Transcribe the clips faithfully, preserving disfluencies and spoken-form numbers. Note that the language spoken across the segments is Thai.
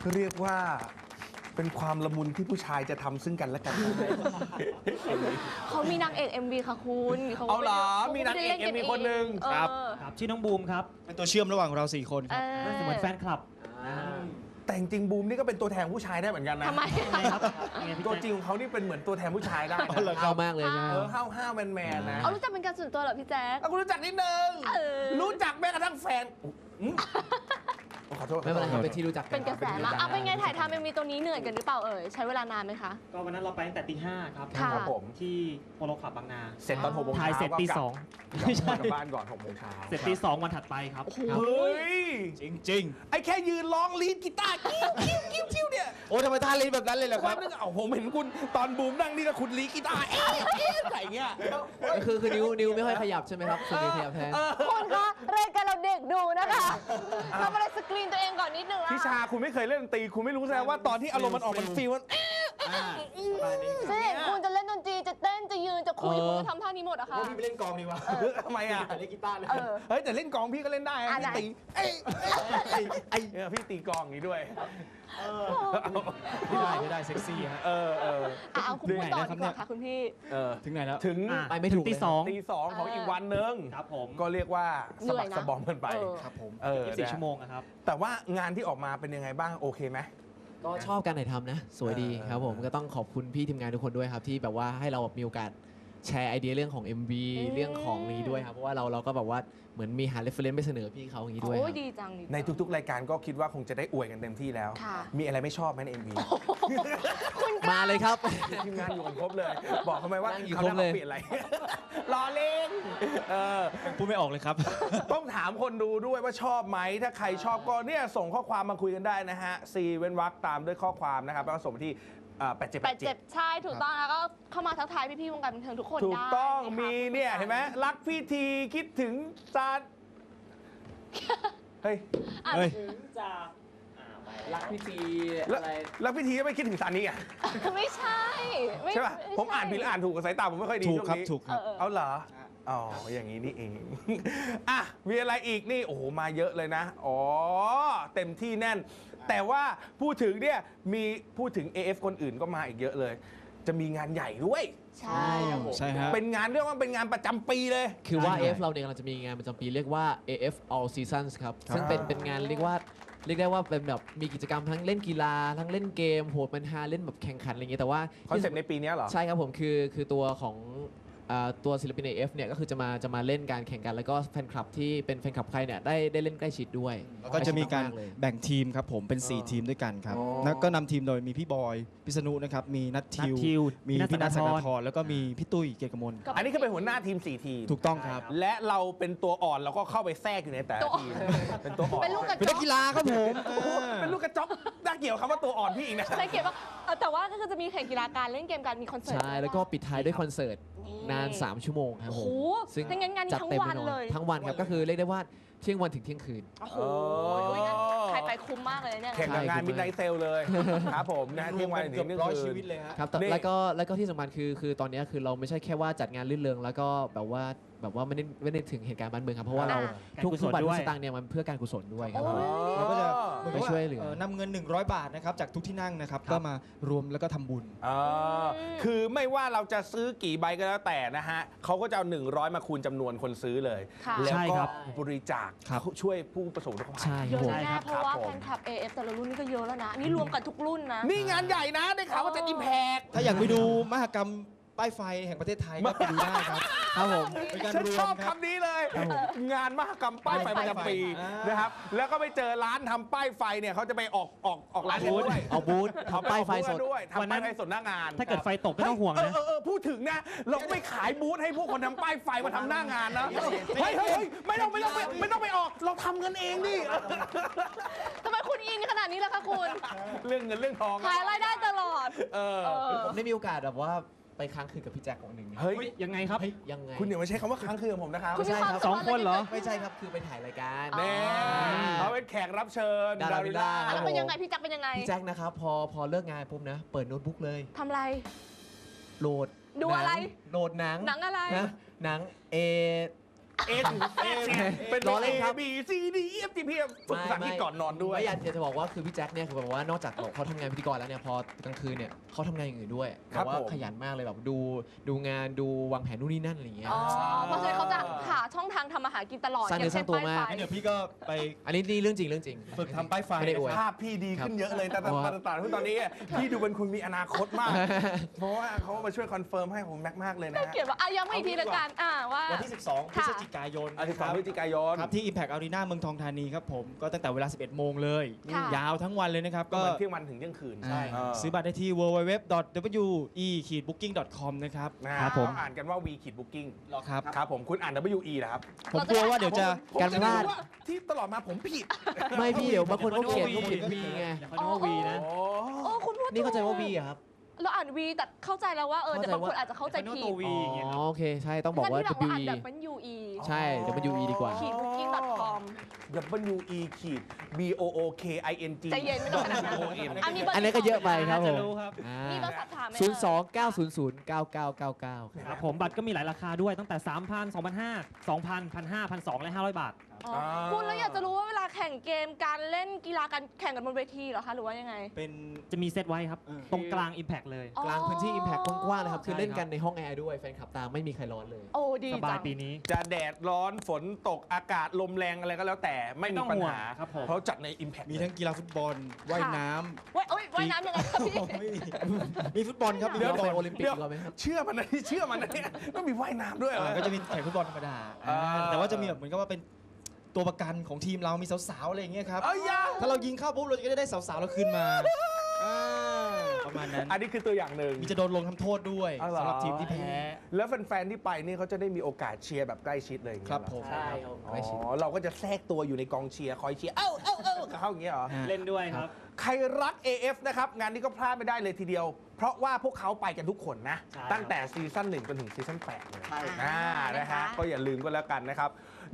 เรียกว่าเป็นความละมุนที่ผู้ชายจะทำซึ่งกันและกันเขามีนางเอก เอ็ม วี ค่ะคุณเขาเอาเหรอขมีนางเอกไได้เอ็ม วีล่คนหนึ่งเออครับครับชื่อน้องบูมครับเป็นตัวเชื่อมระหว่างเราสี่คนครับเออเหมือนแฟนคลับแต่จริงๆบูมนี่ก็เป็นตัวแทนผู้ชายได้เหมือนกันนะทำไมยังไงครับยังไงพี่ตัวแจ๊คจริงของเขานี่เป็นเหมือนตัวแทนผู้ชายได้นะเข้ามากเลยใช่ไหมเออห้าวห้าวแมนแมนๆนะเอารู้จักเป็นการส่วนตัวเหรอพี่แจ๊คเอาคุณรู้จักนิดนึงเออรู้จักแม้กระทั่งแฟนอืมขอโทษไม่เป็นไรครับเป็นที่รู้จักกัเป็นกระแสมากอ่ะเป็นไงถ่ายทำเอ็มวีตัวนี้เหนื่อยกันหรือเปล่าเอ่ยใช้เวลานานไหมคะก็วันนั้นเราไปตั้งแต่ตีห้าครับค่ะครับผมที่โปโลคลับบางนาเสร็จตอนหกโมงถ่ายเช้าเสร็จตีสองก็ไม่กใช่ลับกลับบ้านก่อนหกโมงเช้าเสร็จตีสองวันถัดไปครับเฮ้ยจริงจริงไอ้แค่ยืนร้องลีดกีตาร์กิ้วกิ้วกิ้วกิ้วเนี่ยโอ้ทำไมท่าลิ้นแบบนั้นเลยเหรอควัรันบนึงเอาผมเห็นคุณตอนบูมนั่งนี่แล้วคุณลีดกีตาร์เอ๊ะเอ๊ะใส่เงี้ยคือคือนิ้วนิ้วไม่ค่อยขยับใช่ไหมครับส่วนนิ้วขยับแทนเออคุณคะรายการเราเด็กดูนะคะทำอะไรสกรีนตัวเองก่อนนิดนึงละพิชาคุณไม่เคยเล่นดนตรีคุณไม่รู้แสดงว่าตอนที่อารมณ์มันออกมันฟีลมันอ่าประมาณนี้เจ๊คุณจะเล่นดนตรีจะเต้นจะยืนจะคุยเออคุณจะทำท่านี้หมดอะคะพี่ไปเล่นกองดีกว่าทำไมอ่ะเล่นกีตาร์เลยเออเฮ้ยแต่เล่นกลองพี่ก็เล่นได้อ่ะพี่ไหนตีเอ้ยเอ้ยเอ้ยเออพี่ตีกลองอย่างนี้ด้วยไม่ได้ไม่ได้เซ็กซี่ฮะเออเอออ่ะเอาคุณพูดต่อดีกว่าค่ะคุณพี่เออถึงไหนแล้วถึงอ่ะไปไม่ถูกตีเลยสองตีสองของอีกวันหนึ่งครับผมก็เรียกว่าสะบักเหนื่อยนะสะบอมกันไปเออครับผมเออยี่สิบสี่ชั่วโมงอะครับแต่ว่างานที่ออกมาเป็นยังไงบ้างโอเคไหมก็ชอบการถ่ายทำนะ สวยดีเออครับผมก็ต้องขอบคุณพี่ทีมงานทุกคนด้วยครับ ที่แบบว่าให้เราแบบมีโอกาสแชร์ไอเดียเรื่องของ เอ็ม วีอืมเรื่องของนี้ด้วยครับเพราะว่าเราเราก็แบบว่าเหมือนมีหาเรฟเฟรนซ์ไปเสนอพี่เขาอย่างนี้ด้วยคโอ้รัยบดีจังดีจังในทุกๆ รายการก็คิดว่าคงจะได้อวยกันเต็มที่แล้วค่ะมีอะไรไม่ชอบไหมในเอ็มวีมาเลยครับทีมงานอยู่กันครบเลย บอกเขาไหมว่านั่งอยู่เขาครบเลยเปลี่ยนอะไร รอเล่นเออพูดไม่ออกเลยครับต้องถามคนดูด้วยว่าชอบไหม ถ้าใครชอบก็เนี่ยส่งข้อความมาคุยกันได้นะฮะ ซีเว้นวรรคตามด้วยข้อความนะครับ แล้วก็ส่งมาที่แปดเจ็ดแปแปดดเจ็เจ็บดใช่ถูกต้องแล้วก็เข้ามาทักทายพี่ๆวงการบันเทิงทุกคนถูกได้ต้องะคะมีเนี่ยเห็นไหมรักพี่ทีคิดถึงจานเฮ้ยอ่ะเฮ้ยรักพี่ทีแล้วอะไรแล้วพี่ทีก็ไม่คิดถึงซานี่อ่ะไม่ใช่ไม่ใช่ป่ะไใช่ผมอ่านผิดหรืออ่านถูกกับสายตาผมไม่ค่อยดีถูกช่วงครับนี้ถูกครับเออเอาเหรออ๋ออย่างนี้นี่เอง อ่ะมีอะไรอีกนี่โอ้โหมาเยอะเลยนะอ๋อเต็มที่แน่น แต่ว่าพูดถึงเนี่ยมีพูดถึง เอ เอฟ คนอื่นก็มาอีกเยอะเลย จะมีงานใหญ่ด้วยใช่ใช่ฮะเป็นงานเรียกว่าเป็นงานประจำปีเลยคือว่าใช่เอ เอฟ เราเนี่ยกำลังจะมีงานประจำปีเรียกว่า เอ เอฟ All Seasons ครับ ซึ่งเป็นเป็นงานเรียกว่าเรียกได้ว่าเป็นแบบมีกิจกรรมทั้งเล่นกีฬา ทั้งเล่นเกมโหดมันฮาเล่นแบบแข่งขันอะไรอย่างเงี้ยแต่ว่าคอนเซปต์ในปีนี้เหรอใช่ครับผมคือคือตัวของอ่าตัวศิลปิน เอ เอฟ เนี่ยก็คือจะมาจะมาเล่นการแข่งกัน แล้วก็แฟนคลับที่เป็นแฟนคลับใครเนี่ยได้ได้เล่นใกล้ชิดด้วยแล้วก็จะมีการใล้ชิดเลยแบ่งทีมครับผมเป็นอ๋อสี่ ทีมด้วยกันครับอ๋อแล้วก็นำทีมโดยมีพี่บอยพิษณุนะครับมีนัททิวนัททิวมีพี่พี่นันัททสัสักกดาดาธธรรแล้วก็มีพี่ตุ้ยเกียรติกมลอันนี้คือเป็นหัวหน้าทีมสี่ทีมถูกต้องครับและเราเป็นตัวอ่อนเราก็เข้าไปแทรกอยู่ในแต่ละทีมเป็นตัวอ่อนเป็นลูกกระเป็นจนัอกกกีฬาครับผมเป็นลูกกระจอกน่าเกี่ยวคำว่าตัวอ่อนพี่อีกนะใช่เกี่ยวกับเอ่อแต่ว่าก็คือจะมีแข่งกีฬาการเล่นเกมการมีคอนเสิร์ตใช่แล้วก็ปิดท้ายด้วยคอนเสิร์ตนาน สาม ชั่วโมงครับโอ้ผโหมซึ่งถ้างั้นงานนี้จัดทั้งเต็มวัแน่นนอนเลยทั้งวันครับก็คือเรียกได้ว่าเที่ยงวันถึงเที่ยงคืนโอ้โหอ๋องั้นใครไปคุ้มมากเลยเนี่ยแข่งกับงานใช่มิดไนท์เซลเลยครับผมนะเที่ยงวันถึงเที่ยงร้อยคืชีนวิตเลยฮะครับแต่นี่แล้วก็แล้วก็ที่สำคัญคือคือตอนนี้คือเราไม่ใช่แค่ว่าจัดงานลื่นเริงแล้วก็แบบว่าแบบว่าไม่ได้ไม่ได้ถึงเหตุการณ์บ้านเมืองครับเพราะว่าเราการทุกกุศทุกลบาทด้ทุวยกสตางค์เนี่ยมันเพื่อการกุศลด้วยครับโอ้ยเราก็จะเหมือนกับไปช่วยเหลือนำเงิน หนึ่งร้อย บาทนะครับจากทุกที่นั่งนะครับก็มารวมแล้วก็ทำบุญอ่าคือไม่ว่าเราจะซื้อกี่ใบก็แล้วแต่นะฮะเขาก็จะเอาหนึ่งร้อยมาคูณจำนวนคนซื้อเลยค่ะแล้วใช่ก็ครับบริจาคครับช่วยผู้ประสบอุทกภัยใช่คเยรับอะผมแน่ครับเพราะว่าครับผมแฟนคลับ เอ เอฟ แต่ละรุ่นนี่ก็เยอะแล้วนะอันนี่รวมกันทุกรุ่นนะนี่งานใหญ่นะได้ข่าวว่าจะอิมแพกถ้าอยากไปดูมหกรรมป้ายไฟแห่งประเทศไทยก็ไปดูได้ครับครับผมเป็นการฉันรวชมอบครับคำนี้เลย งานมหกรรมป้ายไฟประจำปีอ่านนะครับ แล้วก็ไปเจอร้านทำป้ายไฟเนี่ยเขาจะไปออกออกออกร้านกันด้วยเอาบูธเขาทำป้ายไฟสดด้วยวันทำนั้ป้ายนไฟสดหน้างานถ้าเกิดไฟตกไม่ต้องห่วงเออนะเออเออพูดถึงนะเราก็ไปขายบูธให้พวกคนทำป้ายไฟมาทำหน้างานนะเฮ้ยเฮ้ยเฮ้ยไม่ต้องไม่ต้องไม่ไม่ต้องไปออกเราทำกันเองดิทำไมคุณอินขนาดนี้ล่ะคะคุณเรื่องเงินเรื่องทองขายรายได้ตลอดเออเออผมได้มีโอกาสแบบว่าไปค้างคืนกับพี่แจ็ควันหนึ่งเฮ้ยยังไงครับยังไงคุณอย่ามาใช้คำว่าค้างคืนกับผมนะครับคุณมีความสองคนเหรอไม่ใช่ครับคือไปถ่ายรายการแน่เขาเป็นแขกรับเชิญดาราวิลล่าอ่ะแล้วเป็นยังไงพี่จักรเป็นยังไงพี่แจ็คนะครับพอพอเลิกงานปุ๊บนะ เปิดโน้ตบุ๊กเลยทำไรโหลดดูอะไรหนังโหลดหนังหนังอะไรนะหนังเอเอ็นเอ็นเป็นล้อเล่เอนครับบีซีดีเอฟจีพีฝึกภาษาอังกฤษก่อนนอนด้วยไม่อยากจะบอกว่าคือพี่แจ็คเนี่ยคือแบบว่านอกจากเขาทำงานพิธีกรแล้วเนี่ยพอกลางคืนเนี่ยเขาทำงานอย่างอื่นด้วยครับแบบว่าผมขยันมากเลยแบบดูดูงานดูวางแผนนู่นนี่นั่นอะไรอย่างเงี้ยอ๋อ เพราะฉะนั้นเขาจะหาช่องทางทำอาหารกินตลอดสร้างเนื้อสร้างตัวมากอย่งั้นเช่นเดี๋ยวพี่ก็ไปอันนี้นี่เรื่องจริงเรื่องจริงฝึกทำป้ายไฟไม่ได้อวยภาพพี่ดีขึ้นเยอะเลยแต่แต่ครับแต่แต่แต่ตอนนี้พี่ดูเป็นคนมีอนาคตมาก เพราะว่าเขามาช่วยคอนเฟิร์มให้ผมแม็กมากเลยนะป้ายไฟฮะเขียนว่าอ่ะย้ำอีกทีละกันอ่าว่าวันที่ สิบสอง พฤค่ะศจิกายนอาทิตย์สองพฤศจิกายนครับที่ Impact Arena เมืองทองธานีครับผมก็ตั้งแต่เวลา สิบเอ็ดโมงเลยค่ะยาวทั้งวันเลยนะครับก็ก็เหมือนเที่ยงวันถึงเที่ยงคืนใช่เออซื้อบัตรได้ที่ ดับเบิลยู ดับเบิลยู ดับเบิลยู ดอท ดับเบิลยู อี บบุ๊กกิ้ง ดอท คอม นะครับนะฮะครับผมเขาอ่านกันว่า V ขีด booking หรอครับครับผมคุณอ่าน W E นะครับผมกลัวว่าเดี๋ยวจะผมการจะพลาดรู้ว่าที่ตลอดมาผมผิดไม่พี่เดี๋ยวบางคนเขาเขียนเขาเขียนวีไงอย่าเขาเรียกว่าวีนะโอ้โอ้คุณพูดนี่เข้าใจว่าถูกวีอะครับเราอ่านวีแต่เข้าใจแล้วว่าเออเข้าแต่ใจบางคนว่าอาจจะเข้าใจผิดตัววีอย่างเงี้ยอ๋อโอเคใช่ต้องบอกว่าท่นที่ W เราอ่าน E แบบเป็น ยู อีใช่เดี๋ยวมัน W E ดีกว่าขีด booking dot com W E ขีด B O O K I N G ใจเย็นไม่ต้องขนาดนั้น O N อ่ะมีเบอร์อันนี้ก็เยอะไปครับผมน่าจะรู้ครับมีเบอร์สอบถามไหมศูนย์สองเก้าศูนย์ศูนย์เก้าเก้าเก้าเก้าครับผมบัตรก็มีหลายราคาด้วยตั้งแต่ สามพัน สองพันห้าร้อย สองพัน หนึ่งพันห้าร้อย หนึ่งพันสองร้อยและ ห้าร้อย บาทอ๋อคุณแล้วอยากจะรู้ว่าเวลาแข่งเกมการเล่นกีฬาการแข่งกันบนเวทีเหรอคะหรือว่ายังไงเป็นจะมีเซตไว้ครับเออตรงกลาง Impact เลยอ๋อกลางพื้นที่ Impact กว้างๆเลยครับ คือใช่เล่นครับกันในห้องแอร์ด้วย แฟนคลับตามไม่มีใครร้อนเลยโอ้ดีสบาจัยงปีนี้จะแดดร้อนฝนตกอากาศลมแรงอะไรก็แล้วแต่ไม่มีปัญหาไม่ต้องห่วงครับผมเพราะจัดใน Impact มีทั้งกีฬาฟุตบอล ว่ายน้เว้ยเอ้ยว่ายน้ำยังไงครับพี่ำ ไม่มี มีฟุตบอลครับมีเดี๋ยวฟุตบอลไปโอลิมปิกเดี๋ยวดีกว่าไหมครับเชื่อมันนะเชื่อมันนะเนี่ยต้องมีว่ายน้ำด้วยเหรออ่าก็จะมีแข่งฟุตบอลธรรมดาอ่าแต่ว่าจะมีแบบเหมือนกับว่าเป็นตัวประกันของทีมเรามีสาวๆอะไรอย่างเงี้ยครับเอ้ยยาถ้าเรายิงเข้าปุ๊บเราจะได้สาวๆเราคืนมาอ่าประมาณนั้นอันนี้คือตัวอย่างหนึ่งมีจะโดนลงทำโทษด้วยอ๋อเหรอสำหรับทีมที่แพ้แล้วแฟนๆที่ไปนี่เขาจะได้มีโอกาสเชียร์แบบใกล้ชิดเลยอย่างคเงี้ยรับเหอผมใช่ครับอ๋ใกล้ชิดอเราก็จะแทรกตัวอยู่ในกองเชียร์คอยเชียร์เอ้าเอ้าเอ้ากับเขาอย่างเงี้ยเหรออ่าเล่นด้วยครับใครรัก เอ เอฟ นะครับ งานนี้ก็พลาดไม่ได้เลยทีเดียว เพราะว่าพวกเขาไปกันทุกคนนะใช่ตั้งแต่ซีซั่นหนึ่งจนถึงซีซั่นแปดเลยใช่อ่านะฮะ ก็อย่าลืมก็แล้วกันนะครับ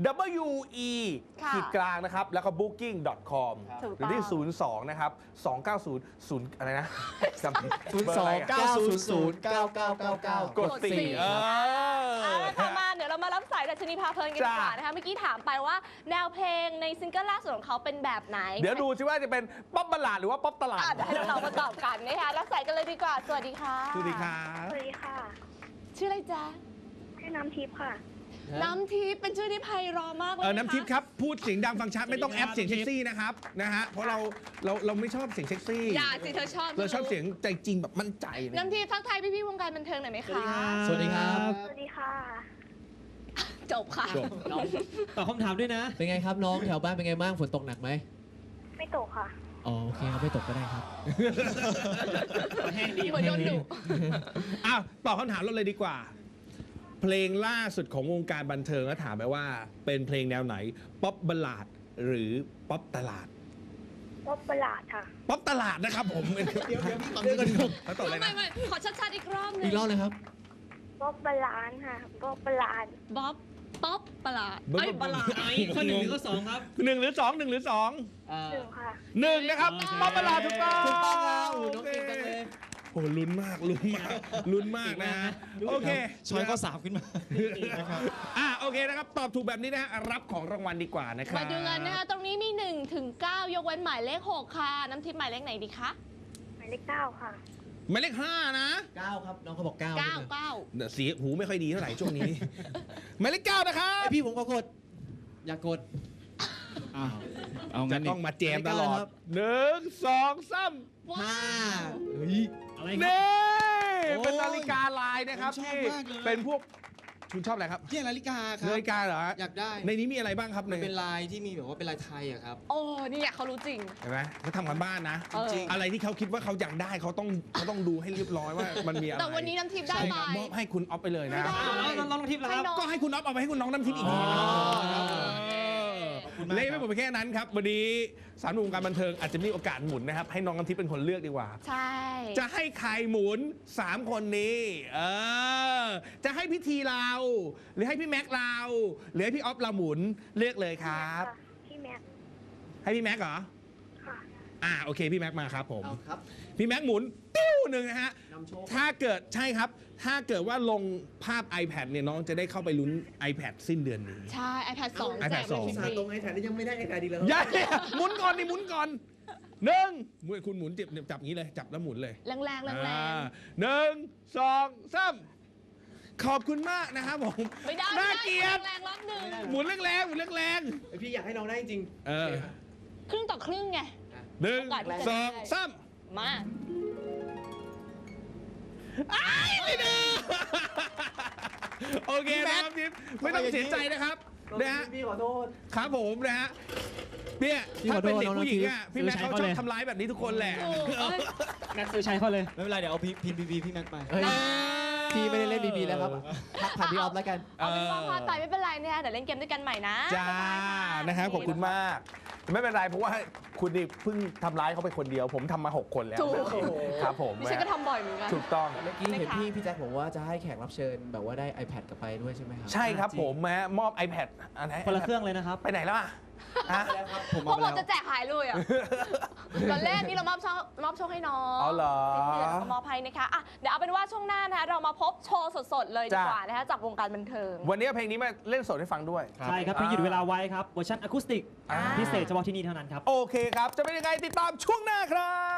W E ค่ะขีดกลางนะครับ แล้วก็ booking dot com ถูกหรือที่ต้องศูนย์สองนะครับ สองเก้าศูนย์ ศูนย์อะไรนะจำผิดศูนย์สองเก้าศูนย์ศูนย์เก้าเก้าเก้าเก้ากดสี่เออเอาละค่ะมาเดี๋ยวเรามารับสายดัชนีพาเพลินกันดีกว่าจ้ะนะคะเมื่อกี้ถามไปว่าแนวเพลงในซิงเกิลล่าสุดของเขาเป็นแบบไหนเดี๋ยวดูสิว่าจะเป็นป๊อปบัลลาดหรือว่าป๊อปตลาดอ่ะเดี๋ยวให้น้องๆมาตอบกันนะคะรับสายกันเลยดีกว่า สวัสดีค่ะสวัสดีครับสวัสดีค่ะชื่ออะไรจ๊ะชื่อน้ำทิพย์ค่ะน้ำทิพย์เป็นชื่อที่ไพเราะมากเลยเออนะคะน้ำทิพย์ครับ พูดเสียงดังฟังชัดไม่ต้องแอปเสียงเซ็กซี่นะครับนะฮะเพราะเราเราเราไม่ชอบเสียงเซ็กซี่อย่าสิเธอชอบเราชอบเสียงใจจริงแบบมั่นใจเลยน้ำทิพย์ทักทายพี่ๆวงการบันเทิงหน่อยไหมคะสวัสดีครับสวัสดีค่ะจบค่ะจบตอบคำถามด้วยนะเป็นไงครับน้องแถวบ้านเป็นไงบ้างฝนตกหนักไหมไม่ตกค่ะอ๋อโอเคครับไม่ตกก็ได้ครับแห้งดีเหมือนโดนดุอ้าวตอบคำถามเราเลยดีกว่า เพลงล่าสุดของวงการบันเทิงแล้วถามไปว่า เป็นเพลงแนวไหน ป๊อปบัลลาดหรือป๊อปตลาดป๊อปประหลาดค่ะป๊อปตลาดนะครับผมเดี๋ยวเดี๋ยวเดี๋ยวเขาตอบอะไรไม่นะไม่ขอชัดๆอีกรอบหนึอีงกรอบเลยครับป๊อปประหลาดค่ะ ป๊อปประหลาดบ๊อบป๊อปประหลาดบ๊อบเอ้ยประหลาดไอ้ข้อหนึ่งหรือข้อสองครับหนึ่งหรือสองหนึ่งหรือสองเอ่อหนึ่งค่ะหนึ่งนะครับโอเคป๊อปบัลลาดถูกต้องถูกต้องแล้วโอน้องเคเก่งจังเลยโอ้ลุ้นมากลุ้นมากลุ้นมากนะฮะโอเคช้อยก็สามขึ้นมานะครับอ่ะโอเคนะครับ ตอบถูกแบบนี้นะฮะรับของรางวัลดีกว่านะครับมาดูกันนะคะตรงนี้มีหนึ่งถึงเก้ายกเว้นหมายเลขหกค่ะ น้ำทิพย์หมายเลขไหนดีคะหมายเลขเก้าค่ะหมายเลขห้านะเก้าครับน้องเขาบอกเก้าเก้าใช่ไหมเก้าเนี่ยเสียหูไม่ค่อยดีเท่าไหร่ช่วงนี้ หมายเลขเก้านะครับไอพี่ผมก็กด อยากกดอ้าวเอาจะงั้นต้องมาแจมตลอดครับหนึ่งสองสามห้าเฮ้ยอะไรคเน่โอ้ยเป็นนาฬิกาลายนะครับผมชอบที่มากเลยเป็นพวกคุณชอบอะไรครับที่นาฬิกาครันาฬิกาเหรอฮะอยากได้ในนี้มีอะไรบ้างครับมันในเป็นลายที่มีแบบว่าเป็นลายไทยอะครับโอ้นี่เขารู้จริงเห็นไหมเขาทำกันบ้านนะเออจริงอะไรที่เขาคิดว่าเขาอยากได้เขาต้องเขาต้องดูให้เรียบร้อยว่ามันมีอะไรแต่วันนี้น้ำทิพย์ได้ใช่ไปครับมอบให้คุณออฟไปเลยนะไม่ได้เอาเราลองทิพย์แล้วให้ครับน้องก็ให้คุณออฟเอาไปให้คุณน้องน้ำทิพย์อีกทีอ๋อเออขอบคุณมากเล่ไม่หมดไปแค่นั้นครับ วันนี้สามหนุ่มวงการบันเทิงอาจจะมีโอกาสหมุนนะครับ ให้น้องน้ำทิพย์เป็นคนเลือกดีกว่าใช่จะให้ใครหมุน สาม คนนี้ เออ จะให้พี่ทีเรา หรือให้พี่แม็กเรา หรือให้พี่ออฟเราหมุนเลือกเลยครับพี่แม็กซ์ให้พี่แม็กเหรอค่ะอ่าโอเคพี่แม็กมาครับผมเอาครับพี่แม็กหมุนติ้วหนึ่งนะฮะนำโชคถ้าเกิดใช่ครับ ถ้าเกิดว่าลงภาพ iPad เนี่ยน้องจะได้เข้าไปลุ้น iPad สิ้นเดือนนี้ใช่ iPad สอง iPad แจกสองฟรีสาตรงไอ้แถนยังไม่ได้ไอ้แถนดีแล้วอย่าเนี่ยหมุนก่อนดิหมุนก่อนหนึ่งคุณหมุนจับจับอย่างนี้เลย จับแล้วหมุนเลยแรงแรงแรงแรอ่าง หนึ่งสองสามขอบคุณมากนะครับผมไม่ได้น่าไม่ได้เกลียดแรงๆรอบหนึ่งหมุนแรงๆหมุนแรงไอพี่อยากให้น้องได้จริงๆเออครึ่งต่อครึ่งไงหนึ่งโอกาสที่จะสองได้สามมาอ้ายไม่ได้โอเคนะครับทิพย์ไม่ต้องเสียใจนะครับนะฮะพี่ขอโทษครับผมนะฮะเนี่ยพี่ถ้าขอโทเป็นษเด็กน้องผู้หญิงทิพย์อ่ะพี่แม็กซื้อเขาใช้ชอบเขาเลยทำร้ายแบบนี้ทุกคนแหละถูกเอ้ยแม็กซื้อใช้เขาเลยไม่เป็นไรเดี๋ยวเอาพิมพ์พีพีพี่แม็กไปเฮ้ยพี่ไม่ได้เล่นบีบีแล้วครับทักผ่านพี่ออฟแล้วกันเอาเป็นว่าพลาดไปไม่เป็นไรเนี่ยเดี๋ยวเล่นเกมด้วยกันใหม่นะจ้าบ๊ายบายนะครับขอบคุณมาก ไม่เป็นไรเพราะว่าคุณนี่เพิ่งทำร้ายเขาไปคนเดียว ผมทำมาหกคนแล้วถูกครับผมดิฉันก็ทำบ่อยเหมือนกันถูกต้องเมื่อกี้เห็นนะคะพี่พี่แจ็คบอกว่าจะให้แขกรับเชิญแบบว่าได้ iPad กลับไปด้วยใช่ไหมครับใช่ครับผมแม้มอบ iPad อันไหนคนละเครื่องเลยนะครับไปไหนแล้วอ่ะฮะผมพวมาก ไปเราแล้วจะแจกหายเลยอ่ะ ตอนแรกนี่เรามอบโชคมอบโชคให้น้องอ๋อเหรอสิ้นเดือนเราก็มอบให้นะคะอ่ะเดี๋ยวเอาเป็นว่าช่วงหน้านะคะเรามาพบโชว์สดๆเลยดีจ้ะกว่านะคะจากวงการบันเทิงวันนี้เพลงนี้มาเล่นสดให้ฟังด้วยใช่ครับเพลงหยุดเวลาไว้ครับเวอร์ชันอะคูสติกอ่าพิเศษเฉพาะที่นี่เท่านั้นครับโอเคครับ จะเป็นยังไงติดตามช่วงหน้าครับ